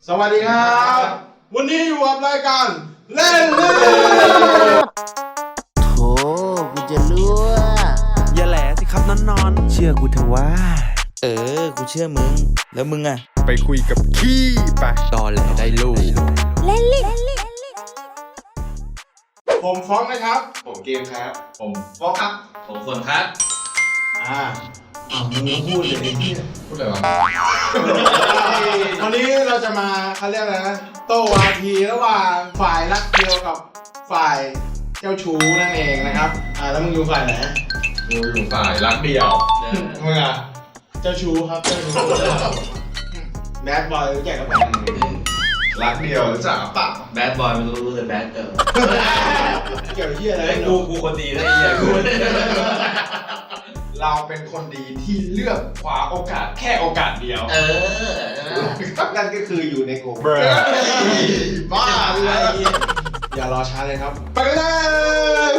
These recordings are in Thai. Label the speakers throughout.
Speaker 1: สวัสดีครับวันนี้อยู่กับรายการเล่น
Speaker 2: โธ่กูจะรู้
Speaker 3: อย่าแหละสิครับนอน
Speaker 2: เชื่อกูเถอะว่า
Speaker 3: กูเชื่อมึง แล้วมึงอะ
Speaker 4: ไปคุยกับขี้ไป
Speaker 3: ตอแหลได้ลูก
Speaker 1: ผมฟ้องนะครับ
Speaker 4: ผมเกมครับ ผมฟอกครับ
Speaker 3: ผมส่วนครับ
Speaker 1: มึงพูดเลยไอ้ที่
Speaker 4: พูดอะไรวะ
Speaker 1: วันนี้เราจะมาเขาเรียกอะไรนะโต้วาทีระหว่างฝ่ายรักเดียวกับฝ่ายเจ้าชู้นั่นเองนะครับแล้วมึงอยู่ฝ่ายไหน
Speaker 4: กูอยู่ฝ่ายรักเดียวมึงอ่ะ
Speaker 1: เจ้าชู้ครับเจ้าชู้แบดบอยรู้จักกับแบด
Speaker 4: รักเดียวรู้จักปะ
Speaker 3: แบดบอยไม่รู้แต่แบดเกิร์ล
Speaker 1: เกี่ยวกับที่อะไร
Speaker 3: เฮ้ยกูคนดีนะไอ้เหี้ยกู
Speaker 4: เราเป็นคนดีที่เลือกคว้าโอกาสแค่โอกาสเดียวนั่นก็คืออยู่ในโกลบ้าเลย
Speaker 1: อย่ารอช้าเลยครับไปกันเลย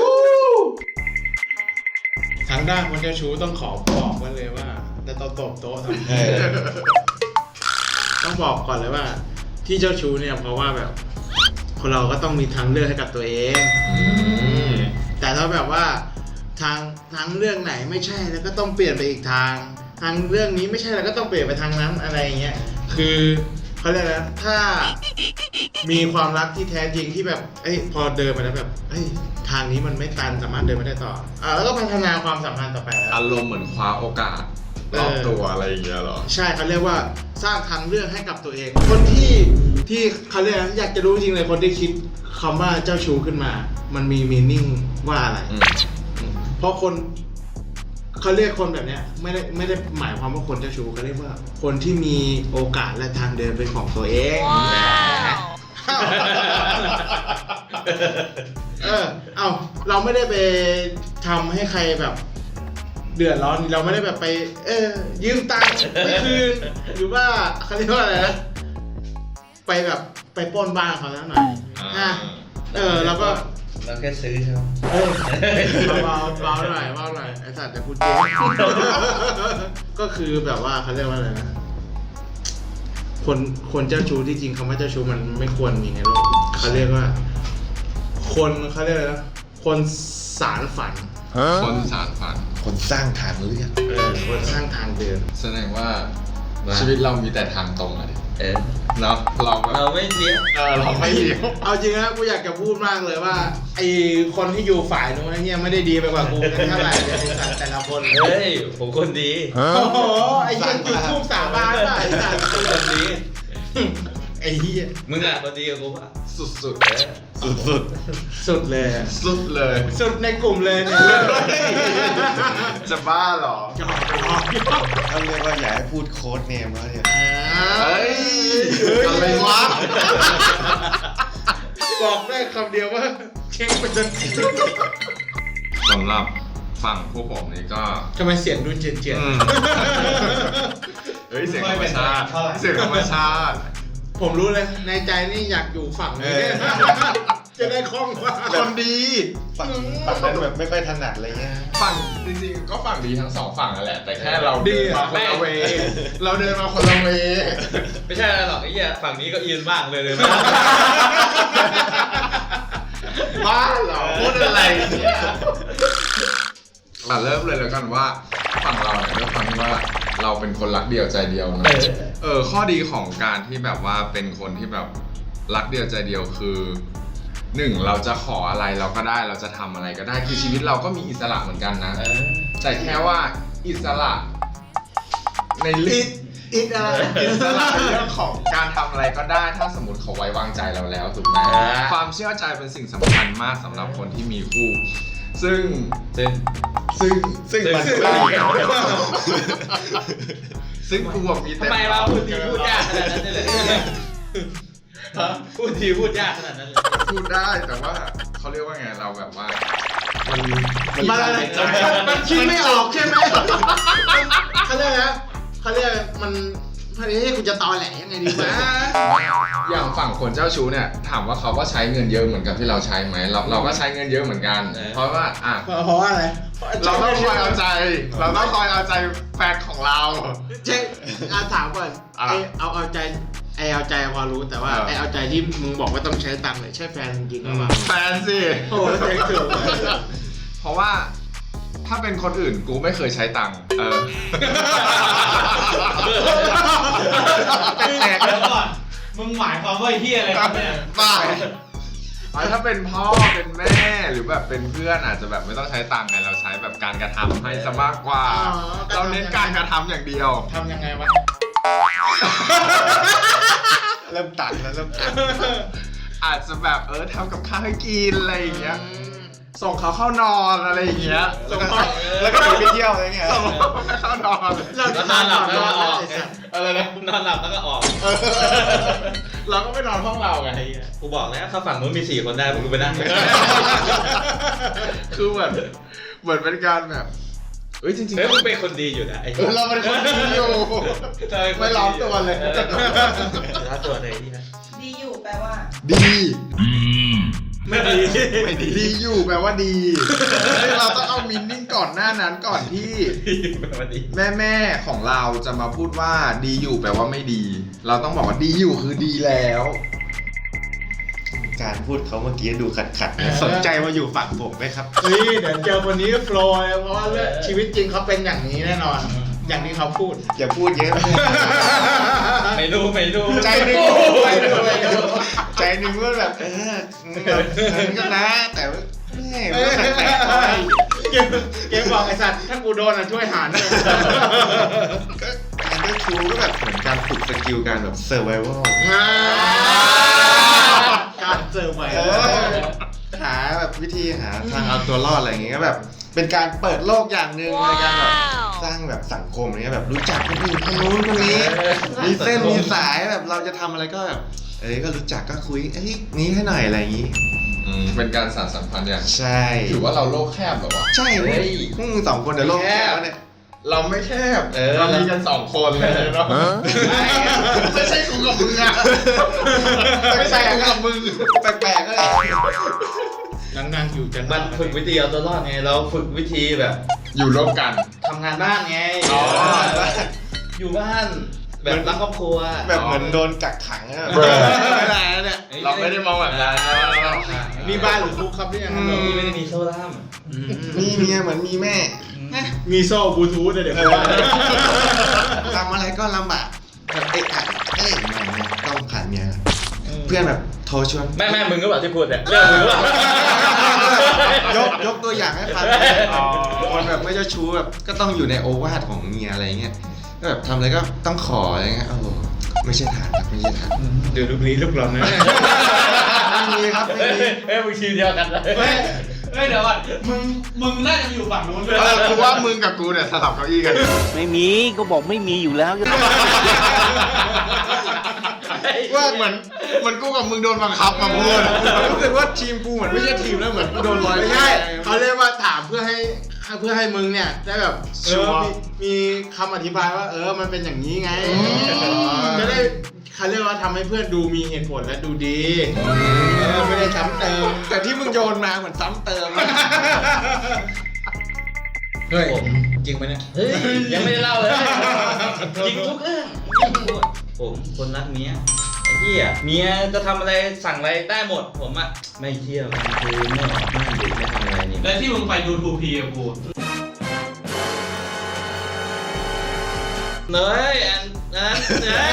Speaker 1: ทางด้านคนเจ้าชู้ต้องขอบอกไว้เลยว่าจะตบโต๊ะทำไมต้องบอกก่อนเลยว่าที่เจ้าชู้เนี่ยเพราะว่าแบบคนเราก็ต้องมีทางเลือกให้กับตัวเองแต่ถ้าแบบว่าทางเรื่องไหนไม่ใช่แล้วก็ต้องเปลี่ยนไปอีกทางเรื่องนี้ไม่ใช่แล้วก็ต้องเปลี่ยนไปทางนั้นอะไรอย่างเงี้ยคือเขาเรียกนะถ้ามีความรักที่แท้จริงที่แบบพอเดินไปแล้วแบบทางนี้มันไม่ตันสามารถเดินไปได้ต่อแล้วก็พัฒนาความสัมพันธ์ต่อไปแล้ว
Speaker 4: อารมณ์เหมือนคว้าโอกาสรอบตัวอะไรอย่างเงี้ยหรอ
Speaker 1: ใช่เขาเรียกว่าสร้างทางเลือกให้กับตัวเองคนที่เขาเรียกนะอยากจะรู้จริงเลยคนที่คิดคำว่าเจ้าชู้ขึ้นมา มันมีมีนิ่งว่าอะไรเพราะคนเขาเรียกคนแบบเนี้ยไม่ได้หมายความว่าคนเจ้าชู้เขาเรียกว่าคนที่มีโอกาสและทางเดินเป็นของตัวเองเราไม่ได้ไปทำให้ใครแบบเดือดร้อนเราไม่ได้แบบไปยืมตังค์ไม่คืนหรือว่าเขาเรียกว่าอะไรนะไปแบบไปปล้นบ้านเขาแล้วหน่อยแล้วก็
Speaker 3: เราแค่ซื้อใช่ไหม
Speaker 1: เบาหน่อยไอ้สัตว์จะพูดเจ๊ก็คือแบบว่าเขาเรียกว่าอะไรนะคนเจ้าชู้ที่จริงคำว่าเจ้าชู้มันไม่ควรมีในโลกเขาเรียกว่าคนเขาเรียกอะไรนะคนสารฝัน
Speaker 4: คนสารฝัน
Speaker 2: คนสร้างทางเลือก
Speaker 1: คนสร้างทางเดิน
Speaker 4: แสดงว่าชีวิตเรามีแต่ทางตรงอะดิเนาะ
Speaker 3: เราไม่เลี้ยว
Speaker 4: เราไม่เลี้ยว
Speaker 1: เอาจริงนะกูอยากจะพูดมากเลยว่าไอคนที่อยู่ฝ่ายนู้นเนี่ยไม่ได้ดีไปกว่ากูเท่าไหร่เลยแต่ละคน
Speaker 3: เฮ้ยผมคนดี
Speaker 1: โอ้โหไอ้ยังจุดทูบสาบานได้ไอ้สัตว์คนดีไอ้เหี้ย
Speaker 3: มึงอะคนดีกับกูอะ
Speaker 4: สุด
Speaker 1: สุดเลยสุดในกลุ่มเลยเนี่ย
Speaker 4: จะบ้าหรอ
Speaker 2: เขาเรียกว่าอย่าให้พูดโค้ดเนมแล้วเนี่ย
Speaker 4: อะไรวะ
Speaker 1: บอกได้คำเดียวว่าเช็คไปจน
Speaker 4: สำหรับฝั่งพวกผมนี่ก็
Speaker 1: ทำไมเสียงดูเจียน
Speaker 4: เฮ้ยเสียงธรรมชาติผม
Speaker 1: รู้เลยในใจนี่อยากอยู่ฝั่งนี้จะได้คล่องกว่า
Speaker 4: คนดี
Speaker 2: ฝั่งนั้นแบบไม่ค่อยถนัดอะไรเงี้ย
Speaker 4: ฝั่งจริงๆก็ฝั่งดีทั้งสองฝั่งนั่นแหละแต่แค่เราเดินมาคนละเวเราเดินมาคนละเว
Speaker 3: ไม่ใช่หรอกไอ้เหี้ยฝั่งนี้ก็อินมากเลย
Speaker 4: บ้าเหรอพูดอะไรเนี่ยเริ่มเลยแล้วกันว่าฝั่งเราเนี่ยด้วยความที่ว่าเราเป็นคนรักเดียวใจเดียวนะข้อดีของการที่แบบว่าเป็นคนที่แบบรักเดียวใจเดียวคือ1เราจะขออะไรเราก็ได้เราจะทำอะไรก็ได้คือชีวิตเราก็มีอิสระเหมือนกันนะแต่แค่ว่าอิสระในอิสระในเรื่องของการทำอะไรก็ได้ถ้าสมมติเขาไว้วางใจเราแล้วถูกไหมความเชื่อใจเป็นสิ่งสำคัญมากสำหรับคนที่มีคู่ซึ่งกูมีแต่
Speaker 3: ทำไมเราพูดยากขนาดนั้นเลยพูดยากขนาดนั้นเลย
Speaker 4: พูดได้แต่ว่าเขาเรียกว่าไงเราแบบว่า
Speaker 1: มันคิดไม่ออกใช่ไหมเขาเรียกนะมันให้คุณจะตอแหลยังไงดีวะ
Speaker 4: อย่างฝั่งคนเจ้าชู้เนี่ยถามว่าเขาก็ใช้เงินเยอะเหมือนกับที่เราใช้ไหมเราก็ใช้เงินเยอะเหมือนกันเพราะว่า
Speaker 1: เพราะอะไร
Speaker 4: เราต้องคอยเอาใจแฟนของเรา
Speaker 1: เช็คถามก่อนเอาใจไอเอาใจพอรู้แต่ว่าไอเอาใจที่มึงบอกว่าต้องใช้ตังค์เนี่ยใช่แฟนจริงๆหรือเปล่า
Speaker 4: แฟนสิ
Speaker 1: โอ้โหเจ๊งถูก
Speaker 4: เพราะว่าถ้าเป็นคนอื่นกูไม่เคยใช้ตังค์
Speaker 3: แตกแล้วก่อนมึงหมายความว่าไอ้เหี้ยอะไรครับเนี่ย
Speaker 4: บ้าถ้าเป็นพ่อเป็นแม่หรือแบบเป็นเพื่อนอาจจะแบบไม่ต้องใช้ตังค์ไงเราใช้แบบการกระทำให้ซะมากกว่าเราเน้นการกระทำอย่างเดียว
Speaker 1: ทำยังไงวะ
Speaker 2: เริ่มตัดแล้วเริ่มตัด
Speaker 4: อาจจะแบบทำกับข้าวให้กินอะไรอย่างเงี้ยส่งเขาเข้านอนอะไรอย่างเงี้ย
Speaker 2: แล้วก็หนีไปเที่ยวอะไรเงี้ย
Speaker 4: ส่งเขาเข้านอน
Speaker 1: เราจะนอนหลับแล้วออก
Speaker 4: อะไรนะ
Speaker 3: นอนหลับแล้วก็ออก
Speaker 4: เราก็ไม่นอนห้องเราไง
Speaker 3: กูบอกแล้วถ้าฝั่งนู้นมี4 คนได้มึงไปนั่ง
Speaker 4: คือเหมือนเป็นการแบบจริงๆ
Speaker 3: เฮ้ยมึงเป็นคนดีอยู่นะไอ้
Speaker 4: เราเป็นคนดีอยู่ไม่ล้อมตัวเลย
Speaker 3: ล้อมตัวเลยที่นะ
Speaker 5: ดีอยู่แปลว่า
Speaker 4: ดี
Speaker 1: ไม่ดี
Speaker 4: ไม่ดีดีอยู่แปลว่าดีเราต้องเอามินนิ่งก่อนหน้านั้นก่อนที่
Speaker 3: ดี
Speaker 4: แม่ของเราจะมาพูดว่าดีอยู่แปลว่าไม่ดี เราต้องบอกว่าดีอยู่คือดีแล้ว
Speaker 2: การพูดเขาเมื่อกี้ดูขัดๆสนใจมาอยู่ฝั่งผมไหมครับ
Speaker 1: เฮ้ยเดี๋ยวเจอคนนี้ก็โฟล์เลยเพราะว่าชีวิตจริงเขาเป็นอย่างนี้แน่นอน อย่างที่เขาพูด
Speaker 2: อย่าพูดเยอะ
Speaker 3: ไม่รู้
Speaker 2: ใจหนึ่งใจหนึ่งว่าแบบมันก็นะแต่ว่าแม่มันก็แปลกๆไป
Speaker 1: เกมบอกไอสัตว์ถ้ากูโดนช่วยหารด้วย
Speaker 2: ก็การได้ครูก็แบบเหมือนการฝึกสกิลการแบบ survival
Speaker 1: การเจอใหม่
Speaker 2: หาแบบวิธีหาทางเอาตัวรอดอะไรอย่างเงี้ยก็แบบเป็นการเปิดโลกอย่างหนึ่งในการแบบสร้างแบบสังคมอะไรเงี้ยแบบรู้จักคนอื่นคนนู้นคนนี้ มีเส้นมีสายแบบเราจะทำอะไรก็แบบก็รู้จักก็คุยนี้ให้หน่อยอะไรอย่างงี้
Speaker 4: เป็นการสานสัมพันธ์อย่าง
Speaker 2: ใช่
Speaker 4: ถือว่าเราโลกแคบเหรอวะ
Speaker 2: ใช่เลยพวกมึงสองคนเดี๋ยวโลกแคบวะเนี่ย
Speaker 4: เราไม่แคบเรามีกัน2 คนเลยเนาะไม่ใช่กูกับมึงอะไม่ใช่กูกับมึง
Speaker 2: แปลกๆก็เลย
Speaker 1: นั่งอยู่จะ
Speaker 3: มันฝึกวิธีเอาตัวรอดไงเราฝึกวิธีแบบ
Speaker 4: อยู่ร่วมกัน
Speaker 3: ทำงานบ้านไง
Speaker 4: อ๋อ
Speaker 3: อยู่บ้านแบบรักครอบครัว
Speaker 2: แบบเหมือนโดนกักขังอะ
Speaker 1: ไม่ได้แล้วเนี่ย
Speaker 4: เราไม่ได้มองแบบนั้น
Speaker 1: มีบ้านหรือคุกครับเนี่ย
Speaker 3: นี่ไม่ได้มีโซ่ล่าม
Speaker 2: มีเมียเหมือนมีแม่
Speaker 1: มีโซ่บลูทูธเดี๋ยวผมว่า
Speaker 2: ทำอะไรก็ลำบากแบบไม่ต้องผ่านเมียเพื่อนแบบโทรชวน
Speaker 3: แม่มึงก็แบบที่พูดเนี่ยเรื่องมึงก็แบบ
Speaker 2: ยกตัวอย่างให้ฟังคนแบบไม่เจ้าชู้แบบก็ต้องอยู่ในโอวาทของเมียอะไรเงี้ยก็แบบทำอะไรก็ต้องขออะไรเงี้ยไม่ใช่ทางครับไม่ใช่ทาง
Speaker 1: เดี๋ยวลูกนี้ลูกหลอนนะ
Speaker 2: ไม่มีครับไม่มี
Speaker 3: เฮ้ยมึงทีมเดียวกันเลยเฮ้ยเดี๋ยวก่อนมึงน่าจะอยู่ฝั่งนู้นด้วย
Speaker 4: คือว่ามึงกับกูเนี่ยสลับเก้าอี้กัน
Speaker 6: ไม่มีก็บอกไม่มีอยู่แล้ว
Speaker 4: ว่าเหมือนกูกับมึงโดนบังคับมาพูด
Speaker 2: รู้สึกว่าทีมกูเหมือนไม่ใช่ทีมแล้วเหมือนกูโดนลอย
Speaker 1: ไม่ใช่เขาเรียกว่าถามเพื่อให้มึงเนี่ยได้แบบมีคำอธิบายว่ามันเป็นอย่างนี้ไงจะได้เขาเรียกว่าทำให้เพื่อนดูมีเหตุผลและดูดีไม่ได้ซ้ำเติม
Speaker 2: แต่ที่มึงโยนมาเหมือนซ้ำเติม
Speaker 1: เฮ้ยจริงไหมเนี่ย
Speaker 3: เฮ้ยยังไม่ได้เล่าเลยจริงทุกเรื่องผมคนรักเมียไอ้เหี้ยเมียจะทำอะไรสั่งอะไรได้หมดผมอะไม่เที่ยวคือไม่ออกบ้านดึกไม่ทำอะไรนี่
Speaker 7: แล้วที่มึงไปดูทูพีกับกู
Speaker 3: เนยอันนั้นเนย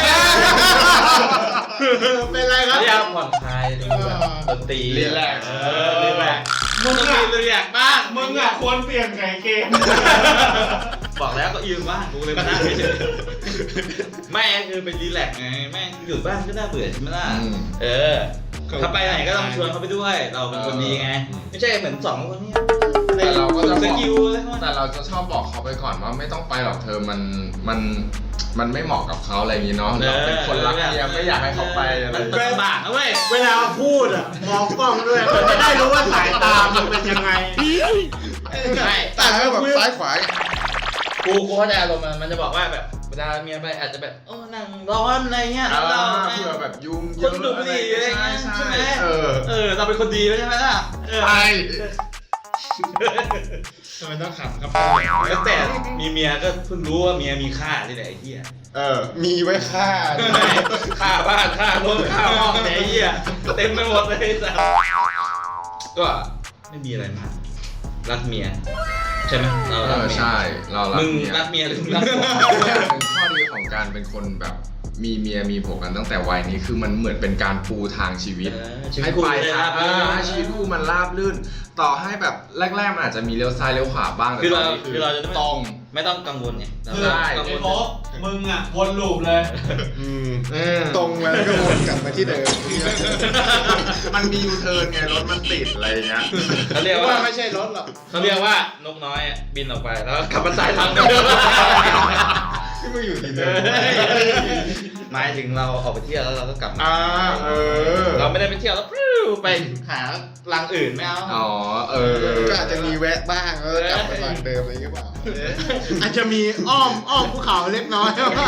Speaker 1: เป็นไรครับ
Speaker 3: พยายามผ่อนคลายดูแบบดนตรี
Speaker 4: รีแลกซ์
Speaker 3: รีแลกซ์มึงต้องมีรีแลกซ์บ้าง
Speaker 7: มึงอ่ะควรเปลี่ยนไงเกม
Speaker 3: บอกแล้วก็ยืมบ้างกูเลยมานั่งเฉยๆไม่คือเป็นรีแลกซ์ไงแม่งอยู่บ้านก็น่าเบื่อใช่ไหมล่ะถ้าไปไหนก็ต้องชวนเขาไปด้วย เราเป็นคนดีไงไม่ใช่เหมือน2 คนนี้
Speaker 4: แต่เราก็จะ
Speaker 3: ส
Speaker 4: บอก
Speaker 3: กิลอะไรพวก
Speaker 4: แต่
Speaker 3: นั้น
Speaker 4: เราจะชอบบอกเขาไปก่อนว่าไม่ต้องไปหรอกเธอมันไม่เหมาะกับเขาอะไรอย่างงี้เนาะเราเป็นคนรักเมียไม่อยากให้เขาไปอะไร
Speaker 3: มันลำบากนะเว้ย
Speaker 1: เวลาพูดอ่ะมองกล้องด้วยมันจะได้รู้ว่าสายตามันเป็นยังไง
Speaker 3: ใช่
Speaker 2: แต่ถ้าแบบซ้ายขวา
Speaker 3: กูเข้าใจอารมณ์มันจะบอกว่าแบบเวลาเมียไปอาจจะแบบนั่งร้อนอะไรเงี้ยแล้วเรา
Speaker 4: เพื่อแบบยุ่ง
Speaker 3: คนดูบุหรี่อะไรเงี้ยใช่ไหมเราเป็นคนดีใช่ไหมล่ะ
Speaker 4: ใช่
Speaker 1: ทำไมต้องขำครับ
Speaker 3: ตั้งแต่มีเมียก็เพิ่งรู้ว่าเมียมีค่าที่ไหนไอ้เหี้ย
Speaker 2: มีไว้ฆ่า
Speaker 3: ค่าบ้านค่ารถค่าห้องไหนไอ้เหี้ยเต็มไปหมดเลยสัสก็ไม่มีอะไรมากรักเมียใช่ไหมเรารักเมีย
Speaker 4: ใช่เรารัก
Speaker 3: มึง
Speaker 4: เมีย
Speaker 3: รักเมียหรือมึงรักผัว
Speaker 4: เป็นข้อดีของการเป็นคนแบบมีเมียมีผัวกันตั้งแต่วัยนี้คือมันเหมือนเป็นการปูทางชีวิต
Speaker 3: ชีวิต
Speaker 4: ให้
Speaker 3: คู่
Speaker 4: ไป
Speaker 3: ได้
Speaker 4: ทา
Speaker 3: รั
Speaker 4: ง
Speaker 3: บรื่น
Speaker 4: ให้ชีวิตคู่มันราบรื่น ต่อให้แบบแรกๆมันอาจจะมีเลี้ยวซ้ายเลี้ยวขวาบ้างแต่
Speaker 3: คือ
Speaker 4: ตอ
Speaker 3: เรา
Speaker 4: นนี้
Speaker 3: คือเราจะ
Speaker 4: ตรง
Speaker 3: ไม่ต้องกังวลไงเรา
Speaker 7: คือ
Speaker 3: ไม่
Speaker 4: ได้
Speaker 3: ต้องกัง
Speaker 7: ไอ้
Speaker 3: วล
Speaker 7: โค้กมึงอ่ะวนลูปเลย
Speaker 2: ตรงแล้วก็วนกลับมาที่เดิม
Speaker 4: มันมียูเทิร์นไงรถมันติดอะไรอย่างเงี้ย
Speaker 3: เขาเรียกว่า
Speaker 1: ว่าไม่ใช่รถหรอก
Speaker 3: เขาเรียกว่านกน้อยอะบินออกไปแล้วกลับมาใต้ทางเดิม
Speaker 2: ที่มึงอยู่ที่เดิม
Speaker 3: หมายถึงเราออกไปเที่ยวแล้วเราก็กลับมา เราไม่ได้ไปเที่ยวแล้วปริ้วไปหารังอื่นไม่เอา
Speaker 4: อ๋อ
Speaker 2: ก็อาจจะมีแวะบ้างแล้วก็กลับไปฝั่งเดิมอะไรอย่างเงี้ยเปล่า
Speaker 1: อาจจะมีอ้อมภูเขาเล็กน้อย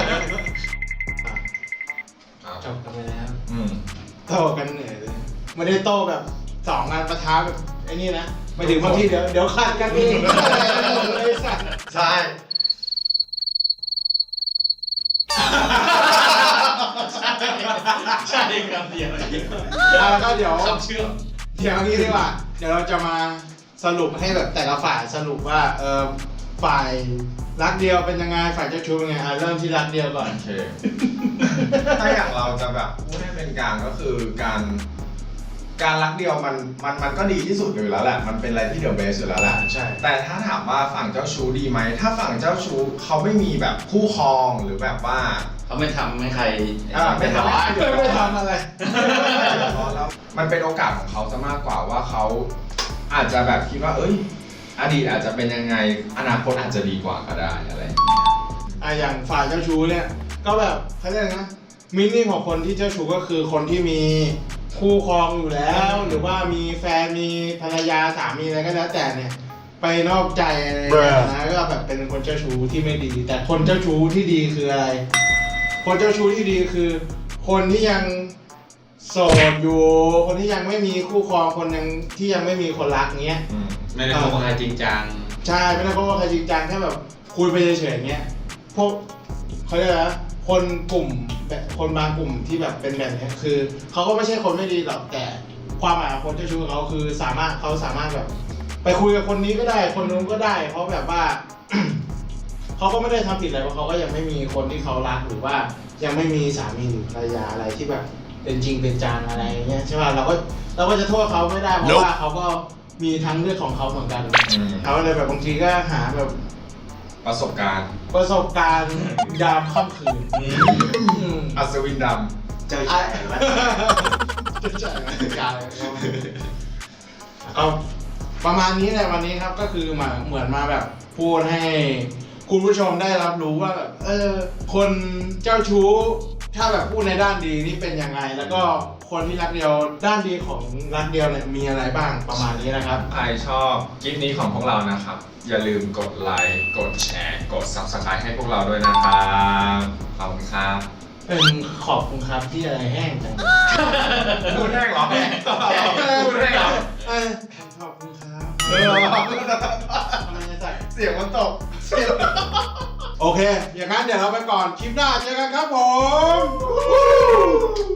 Speaker 1: จบกันไปแล้ว โตกันเหนื่อยเลยไม่ได้โตแบบ2 งานประท้าแบบไอ้นี่นะไม่ถึงบางทีเดี๋ยวขาดกันเองเลยสัตว์
Speaker 2: ใช่
Speaker 7: ใช่ครับเดียว
Speaker 1: แล้วก็เดี๋ยว
Speaker 7: คำเชื่อม
Speaker 1: เดี๋ยวนี้ดีกว่าเดี๋ยวเราจะมาสรุปให้แบบแต่ละฝ่ายสรุปว่าฝ่ายรักเดียวเป็นยังไงฝ่ายเจ้าชู้เป็นไงเริ่มที่รักเดียวก่อน
Speaker 4: โอเค ถ้าอย่างเราจะแบบพูดให้เป็นกลางก็คือการรักเดียวมันก็ดีที่สุดอยู่แล้วแหละ มันเป็นอะไรที่เดอะเบสอยู่แล้วแหละ
Speaker 1: ใช่
Speaker 4: แต่ถ้าถามว่าฝั่งเจ้าชู้ดีไหม ถ้าฝั่งเจ้าชู้เขาไม่มีแบบคู่ครองหรือแบบว่า
Speaker 3: เขาไม่ทำให้ใคร
Speaker 4: ไม่ทำให้
Speaker 1: ไม่ทำอะไร
Speaker 4: แล้วมันเป็นโอกาสของเขาจะมากกว่าว่าเขาอาจจะแบบคิดว่าเอ้ยอดีตอาจจะเป็นยังไงอนาคตอาจจะดีกว่าก็ได้อะไรอย่างเงี้ย
Speaker 1: อย่างฝ่ายเจ้าชู้เนี่ยก็แบบเขาเรียกนะมินิ่งของคนที่เจ้าชู้ก็คือคนที่มีคู่ครองอยู่แล้ว หรือว่ามีแฟนมีภรรยาสามีอะไรก็แล้วแต่เนี่ยไปนอกใจอะไรอย่างเงี้ยนะก็แบบเป็นคนเจ้าชู้ที่ไม่ดี แต่คนเจ้าชู้ที่ดีคืออะไร คนเจ้าชู้ที่ดีคือ คนที่ยังโสดอยู่ คนที่ยังไม่มีคู่ครองคนยังที่ยังไม่มีคนรักเงี้ย
Speaker 3: ไม่ได้คบกับใครจริงจัง
Speaker 1: ใช่ไม่ได้เพราะว่าใครจริงจังแค่แบบคุยไปเฉยๆอย่างเงี้ยพวกเขาเรียกอะไรนะคนกลุ่มแบบคนบางกลุ่มที่แบบเป็นแบบเนี้ยคือเขาก็ไม่ใช่คนไม่ดีหรอกแต่ความหมายของคนเจ้าชู้ของเขาคือเขาสามารถแบบ ไปคุยกับคนนี้ก็ได้คนนู้นก็ได้ เพราะแบบว่า เขาก็ไม่ได้ทำผิดอะไรเพราะเขาก็ยังไม่มีคนที่เขารักหรือว่ายังไม่มีสามีหรือภรรยาอะไรที่แบบเป็นจริงเป็นจังอะไรอย่างเงี้ยใช่ป่ะเราก็จะโทษเขาไม่ได้เพราะว่าเขาก็มีทางเลือกของเขาเหมือนกันเขาเลยแบบบางทีก็หาแบบ
Speaker 4: ประสบการณ์
Speaker 1: ยามค่ำคืน
Speaker 4: อัศวินด
Speaker 1: เจอใช่ไหมเจอใช่ไหมการก็ประมาณนี้แหละวันนี้ครับก็คือเหมือนมาแบบพูดให้คุณผู้ชมได้รับรู้ว่าแบบคนเจ้าชู้ถ้าแบบพูดในด้านดีนี่เป็นยังไง แล้วก็คนที่รักเดียวด้านดีของรักเดียวเนี่ยมีอะไรบ้างประมาณนี้นะครับ
Speaker 4: ำใครชอบคลิปนี้ของพวกเรานะครับ อย่าลืมกดไลค์กดแชร์กด Subscribe ให้พวกเราด้วยนะครับขอบคุณครับ
Speaker 1: เป็นขอบคุณครับที่อะไรแห้งจัง
Speaker 4: พูดแห้งเหรอพูดแห้งเหรอ
Speaker 1: ขอบคุณครับ
Speaker 2: เออ
Speaker 1: ทำไมจะใส่
Speaker 2: เสียงมันตก
Speaker 1: โอเค อย่างนั้นเดี๋ยวเราไปก่อน คลิปหน้าเจอกันครับผม